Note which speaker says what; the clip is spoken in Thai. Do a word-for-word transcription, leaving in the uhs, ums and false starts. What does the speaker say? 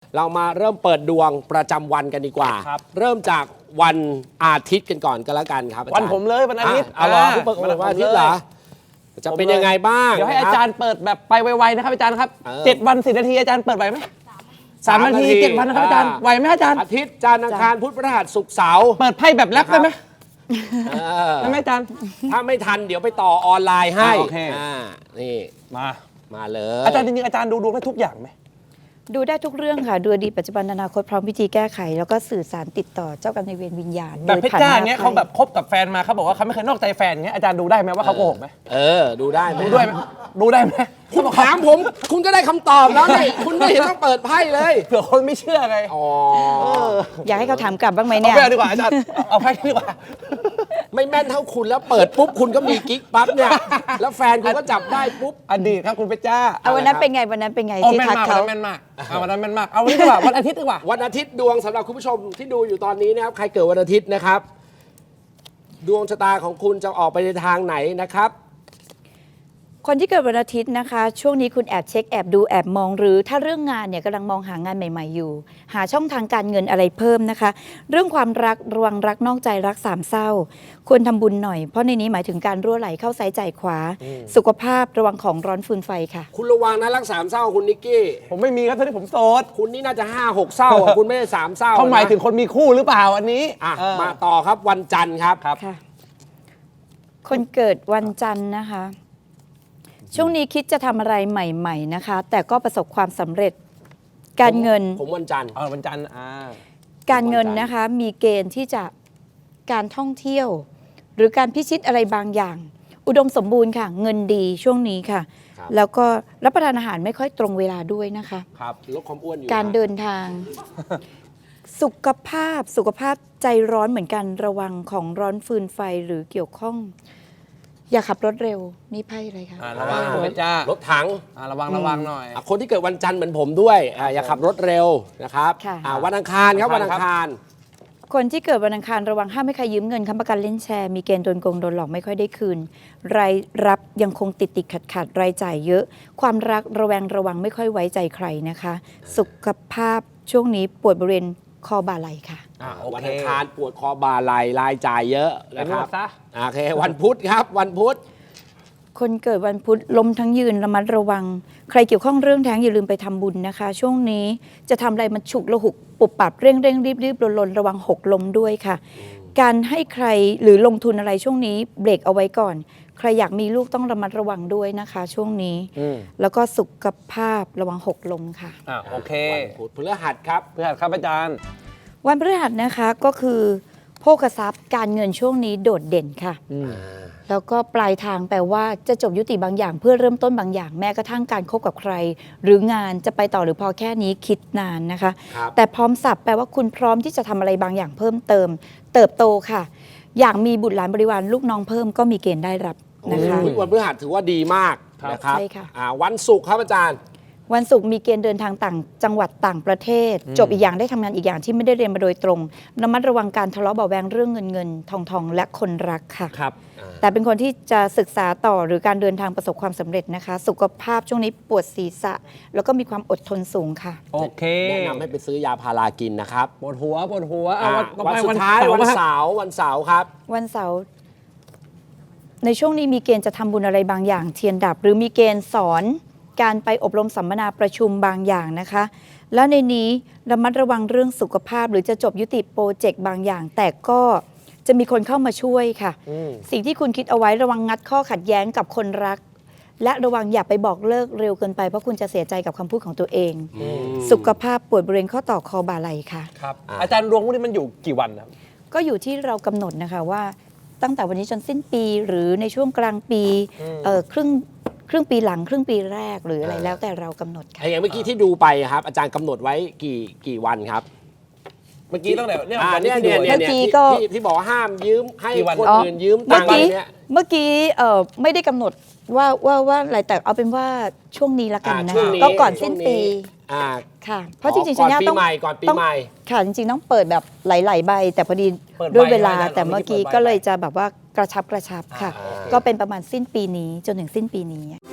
Speaker 1: เรามาเริ่มเปิดดวงประจำวันกันดีกว่าเริ่มจากวันอาทิตย์กันก่อนก็แล้วกันครับ
Speaker 2: วันผมเลยวันอาทิตย์
Speaker 1: เอาเหรอผู้เปิดวันอาทิตย์เหรอจะเป็นยังไงบ้าง
Speaker 2: เดี๋ยวให้อาจารย์เปิดแบบไปไวๆนะครับอาจารย์ครับเจ็ดวันสิบนาทีอาจารย์เปิดไหวไหมสามนาทีเจ็ดวันนะครับอาจารย์ไหวไหมอาจารย์
Speaker 1: อาทิตย์จันทร์อังคารพุธพฤหัสศุกร์เสาร์
Speaker 2: เปิดไพ่แบบแรปได้ไหมได้ไหมอาจารย์
Speaker 1: ถ้าไม่ทันเดี๋ยวไปต่อออนไลน์ให้
Speaker 2: โอเค
Speaker 1: นี่
Speaker 2: มา
Speaker 1: มาเลย
Speaker 2: อาจารย์จริงๆอาจารย์ดูดวงได้ทุกอย่างไหม
Speaker 3: ดูได้ทุกเรื่องค่ะดูอดีตปัจจุบันอนาคตพร้อมวิธีแก้ไขแล้วก็สื่อสารติดต่อเจ้ากรรมนายเวรวิญญาณ
Speaker 2: แบบเพชรจ้าเนี้ยเขาแบบคบกับแฟนมาเขาบอกว่าเขาไม่เคยนอกใจแฟนเงี้ยอาจารย์ดูได้ไหมว่าเขาโกหกไหม
Speaker 1: เออดูได้ไหม
Speaker 2: ดูด้วยไหมดูได้ไหม
Speaker 1: คุณถามผมคุณก็ได้คำตอบแล้วนี่คุณไม่เห็นต้องเปิดไพ่เลย
Speaker 2: เผื่อคนไม่เชื่อไง
Speaker 1: อ๋อ
Speaker 3: อยากให้เขาถามกลับบ้างไหมเนี่ย
Speaker 2: เอาไปดีกว่าอาจารย์เอาไพ่ดีกว่า
Speaker 1: ไม่แม่นเท่าคุณแล้วเปิดปุ๊บคุณก็มีกิ๊กปั๊บเนี่ยแล้วแฟนคุณก็จับได้ปุ๊บ
Speaker 2: อดีตครับคุณเพชรจ้า
Speaker 3: เอาวันนั้นเป็นไงวันนั้นเป็นไงที่ทักเขา
Speaker 2: แม่นมากเอาวันนั้นแม่นมากเอาวันนี้ดีกว่าวันอาทิตย์ดีกว่า
Speaker 1: วันอาทิตย์ดวงสำหรับคุณผู้ชมที่ดูอยู่ตอนนี้นะครับใครเกิดวันอาทิตย์นะครับดวงชะตาของคุณจะออกไปในทางไหนนะครับ
Speaker 3: คนที่เกิดวันอาทิตย์นะคะช่วงนี้คุณแอบเช็คแอบดูแอบมองหรือถ้าเรื่องงานเนี่ยกำลังมองหางานใหม่ๆอยู่หาช่องทางการเงินอะไรเพิ่มนะคะเรื่องความรักระวังรักนอกใจรักสามเศร้าควรทำบุญหน่อยเพราะในนี้หมายถึงการรั่วไหลเข้าซ้ายจ่ายขวาสุขภาพระวังของร้อนฟืนไฟค่ะ
Speaker 1: คุณระวังนะรักสามเศร้าคุณนิกกี้
Speaker 2: ผมไม่มีครับตอนนี้ผมโสด
Speaker 1: คุณนี่น่าจะห้าหกเศร้าคุณไม่ได้สามเศร้า
Speaker 2: เขาหมายถึงคนมีคู่หรือเปล่าอันนี้
Speaker 1: อ่ะมาต่อครับวันจันทร์ครับ
Speaker 3: ค่ะคนเกิดวันจันทร์นะคะช่วงนี้คิดจะทำอะไรใหม่ๆนะคะแต่ก็ประสบความสำเร็จการเงิน
Speaker 1: ผมวันจันทร์
Speaker 2: อ๋อวันจันทร์อ่า
Speaker 3: การเงินนะคะมีเกณฑ์ที่จะการท่องเที่ยวหรือการพิชิตอะไรบางอย่างอุดมสมบูรณ์ค่ะเงินดีช่วงนี้ค่ะแล้วก็รับประทานอาหารไม่ค่อยตรงเวลาด้วยนะคะ
Speaker 1: ครับลดความอ้วนอยู่
Speaker 3: การเดินทาง สุขภาพสุขภาพใจร้อนเหมือนกันระวังของร้อนฟืนไฟหรือเกี่ยวข้องอย่าขับรถเร็วนี่ไพ่อะไรคะ
Speaker 2: ระวังคุณจ้าร
Speaker 1: ถถัง
Speaker 2: ระวังระวังหน่อย
Speaker 1: คนที่เกิดวันจันทร์เหมือนผมด้วยอย่าขับรถเร็วนะครับวันอังคารครับวันอังคาร
Speaker 3: คนที่เกิดวันอังคารระวังห้ามให้ใครยืมเงินค้ำประกันเล่นแชร์มีเกณฑ์โดนโกงโดนหลอกไม่ค่อยได้คืนรายรับยังคงติดติดขัดขัดรายจ่ายเยอะความรักระแวงระวังไม่ค่อยไว้ใจใครนะคะสุขภาพช่วงนี้ปวดบริเวณคอบ่าไหล่ค่ะ
Speaker 1: วันอังคารปวดคอบ่าไหล่รายจ่ายเยอะนะครับโอเควันพุธครับวันพุธ
Speaker 3: คนเกิดวันพุธล้มทั้งยืนระมัดระวังใครเกี่ยวข้องเรื่องแท้งอย่าลืมไปทำบุญนะคะช่วงนี้จะทำอะไรมันฉุกระหุกปุบปับเร่งเร่งรีบรีบลนระวังหกล้มด้วยค่ะการให้ใครหรือลงทุนอะไรช่วงนี้เบรกเอาไว้ก่อนใครอยากมีลูกต้องระมัดระวังด้วยนะคะช่วงนี้แล้วก็สุขภาพระวังหกล้มค่ะ
Speaker 2: อ่าโอเค
Speaker 1: วันพุธพฤหัสครับ
Speaker 2: พฤหัสครับอาจารย์
Speaker 3: วันพฤหัสนะคะก็คือโภคทรัพย์การเงินช่วงนี้โดดเด่นค่ะแล้วก็ปลายทางแปลว่าจะจบยุติบางอย่างเพื่อเริ่มต้นบางอย่างแม้กระทั่งการคบกับใครหรืองานจะไปต่อหรือพอแค่นี้คิดนานนะคะแต่พร้อมสับแปลว่าคุณพร้อมที่จะทำอะไรบางอย่างเพิ่มเติมเติบโตค่ะอยากมีบุตรหลานบริวารลูกน้องเพิ่มก็มีเกณฑ์ได้รับนะคะ
Speaker 1: วันพฤหัสถือว่าดีมากนะครับ
Speaker 3: ใช่ค่ะ
Speaker 1: วันศุกร์ครับอาจารย์
Speaker 3: วันศุกร์มีเกณฑ์เดินทางต่างจังหวัดต่างประเทศจบอีกอย่างได้ทำงานอีกอย่างที่ไม่ได้เรียนมาโดยตรงระมัดระวังการทะเลาะเบาแวงเรื่องเงินเงินทองทองและคนรักค่ะ
Speaker 2: ครับ
Speaker 3: แต่เป็นคนที่จะศึกษาต่อหรือการเดินทางประสบความสำเร็จนะคะสุขภาพช่วงนี้ปวดศีรษะแล้วก็มีความอดทนสูงค่ะ
Speaker 2: โอเค
Speaker 1: แนะนำให้ไปซื้อยาพารากินนะครับ
Speaker 2: ปวดหัวปวดหัว
Speaker 1: วันสุดท้ายวันเสาร์วันเสาร์ครับ
Speaker 3: วันเสาร์ในช่วงนี้มีเกณฑ์จะทำบุญอะไรบางอย่างเทียนดับหรือมีเกณฑ์สอนการไปอบรมสัมมนาประชุมบางอย่างนะคะแล้วในนี้ระมัดระวังเรื่องสุขภาพหรือจะจบยุติโปรเจกต์บางอย่างแต่ก็จะมีคนเข้ามาช่วยค่ะสิ่งที่คุณคิดเอาไว้ระวังงัดข้อขัดแย้งกับคนรักและระวังอย่าไปบอกเลิกเร็วเกินไปเพราะคุณจะเสียใจกับคำพูดของตัวเองสุขภาพปวดบริเวณข้อต่อคอบ่าไหล่ค่ะ
Speaker 2: ครับอาจารย์ดวงพวกนี้มันอยู่กี่วันครับ
Speaker 3: ก็อยู่ที่เรากำหนดนะคะว่าตั้งแต่วันนี้จนสิ้นปีหรือในช่วงกลางปีเอ่อครึ่งครึ่งปีหลังครึ่งปีแรกหรืออะไรแล้วแต่เรากำหนดค่ะ
Speaker 1: อย่างเมื่อกี้ที่ดูไปครับอาจารย์กำหนดไว้กี่กี่วันครับ
Speaker 2: เมื่อกี้ตั้งแต่เนี่ยวัน
Speaker 1: นี้เนี่ยเนี่ยที่ที่บอกว่าห้ามยืมให้คนอื่นยืมตังค์เนี่ย
Speaker 3: เมื่อกี้เอ่อไม่ได้กำหนดว่าว่าว่าอะไรแต่เอาเป็นว่าช่วงนี้ละกันนะก็ก่อนสิ้นปีค่ะเพราะจริงๆ
Speaker 1: ก่อนปีใหม่ก่อนปีใหม่
Speaker 3: ค่ะจริงๆต้องเปิดแบบหลายๆใบแต่พอดีด้วยเวลาแต่เมื่อกี้ก็เลยจะแบบว่ากระชับกระชับค่ะก็เป็นประมาณสิ้นปีนี้จนถึงสิ้นปีนี้